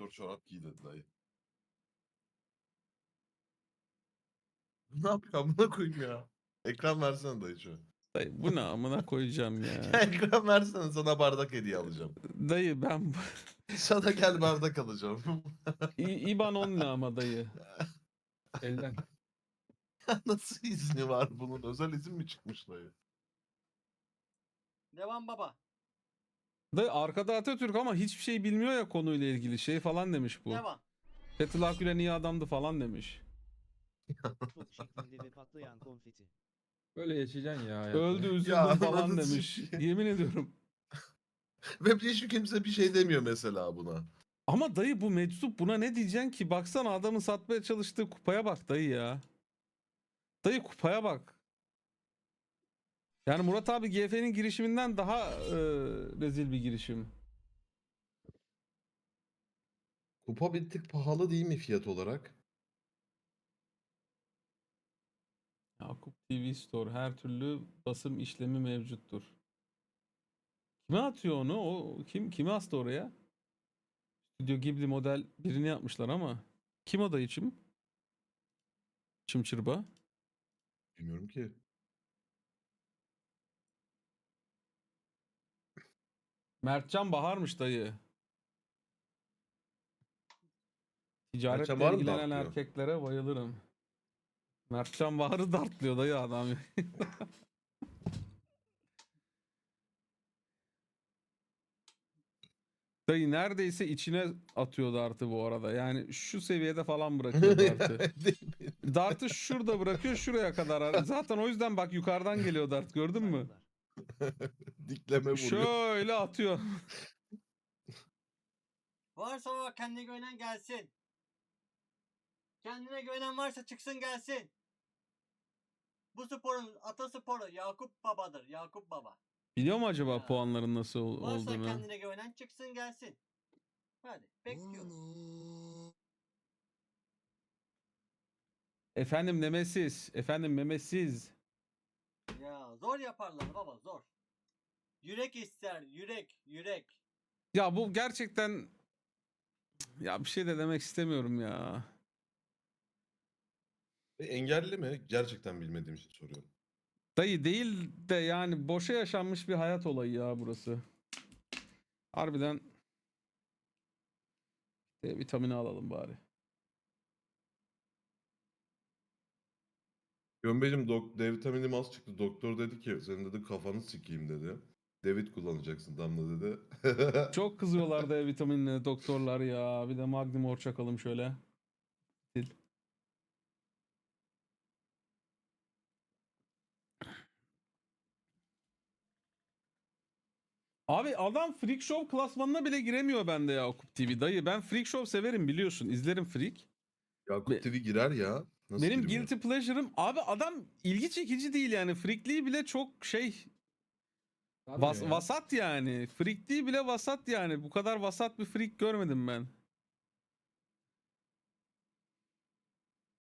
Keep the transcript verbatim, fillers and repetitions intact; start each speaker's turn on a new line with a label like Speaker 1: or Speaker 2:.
Speaker 1: Spor çorap giy dedi dayı. Ne yapıyor amına koyayım ya. Ekran versene dayı şu.
Speaker 2: Dayı bu ne amına koyacağım ya.
Speaker 1: Ekran versene, sana bardak hediye alacağım.
Speaker 2: Dayı ben
Speaker 1: Sana gel bardak alacağım.
Speaker 2: İ- İban on ne ama dayı.
Speaker 3: Elden.
Speaker 1: Nasıl izni var bunun? Özel izin mi çıkmış dayı?
Speaker 4: Devam baba.
Speaker 2: Dayı arkada Atatürk ama hiçbir şey bilmiyor ya konuyla ilgili şey falan demiş bu.
Speaker 4: Devam.
Speaker 2: Fethullah Gülen iyi adamdı falan demiş.
Speaker 5: Top şeklinde ve patlayan konfeti.
Speaker 3: Böyle yaşayacaksın ya hayatı.
Speaker 2: Öldü üzüldüm
Speaker 1: Ya
Speaker 2: falan
Speaker 1: anladın
Speaker 2: demiş.
Speaker 1: şimdi.
Speaker 2: Yemin ediyorum.
Speaker 1: Ve hiç kimse bir şey demiyor mesela buna.
Speaker 2: Ama dayı bu meczup buna ne diyeceksin ki? Baksana adamın satmaya çalıştığı kupaya bak dayı ya. Dayı kupaya bak. Yani Murat abi G F'nin girişiminden daha e, rezil bir girişim.
Speaker 1: Kupa bir tık pahalı değil mi fiyat olarak?
Speaker 2: Yakup T V Store her türlü basım işlemi mevcuttur. Kime atıyor onu? O kim kimi astı oraya? Studio Ghibli model birini yapmışlar ama kim o dayıçım? Çımçırba.
Speaker 1: Bilmiyorum ki.
Speaker 2: Mertcan Bahar'mış dayı. Ticaretle
Speaker 1: Mertcan Bahar mı
Speaker 2: ilgilenen
Speaker 1: dartlıyor?
Speaker 2: erkeklere bayılırım. Mertcan Bahar'ı dartlıyor dayı adam. Dayı neredeyse içine atıyor dartı bu arada. Yani şu seviyede falan bırakıyor dartı. Dartı şurada bırakıyor şuraya kadar. Zaten o yüzden bak yukarıdan geliyor dart gördün mü?
Speaker 5: Saygılar.
Speaker 1: Dikleme vuruyor.
Speaker 2: Şöyle atıyor.
Speaker 4: Varsa o kendine güvenen gelsin. Kendine güvenen varsa çıksın gelsin. Bu sporun atasporu Yakup Baba'dır. Yakup Baba.
Speaker 2: Biliyor mu acaba
Speaker 4: Ya.
Speaker 2: puanların nasıl ol-
Speaker 4: Varsa
Speaker 2: olduğunu?
Speaker 4: kendine güvenen çıksın gelsin. Hadi bekliyoruz.
Speaker 2: Efendim Nemesis. Efendim Memesiz.
Speaker 4: Ya zor yaparlar baba zor. Yürek ister yürek yürek.
Speaker 2: Ya bu gerçekten ya bir şey de demek istemiyorum ya.
Speaker 1: E, engelli mi? Gerçekten bilmediğim için soruyorum.
Speaker 2: Dayı değil de yani boşa yaşanmış bir hayat olayı ya burası. Harbiden D vitamini alalım bari.
Speaker 1: Gömbecim dok D vitaminim az çıktı. Doktor dedi ki senin dedi kafanı sikeyim dedi. David kullanacaksın Damla dedi.
Speaker 2: Çok kızıyorlar D vitaminine doktorlar ya. Bir de Magnum Or çakalım şöyle. Sil. Abi adam Freak Show klasmanına bile giremiyor bende Yakup T V. Dayı ben Freak Show severim biliyorsun. İzlerim Freak.
Speaker 1: Yakup
Speaker 2: Be-
Speaker 1: T V girer ya. Nasıl
Speaker 2: Benim
Speaker 1: girmiyor?
Speaker 2: guilty pleasure'ım abi adam ilgi çekici değil yani. Freakliği bile çok şey
Speaker 3: Sarmıyor
Speaker 2: vas-
Speaker 3: ya.
Speaker 2: vasat yani. Freakliği bile vasat yani. Bu kadar vasat bir freak görmedim ben.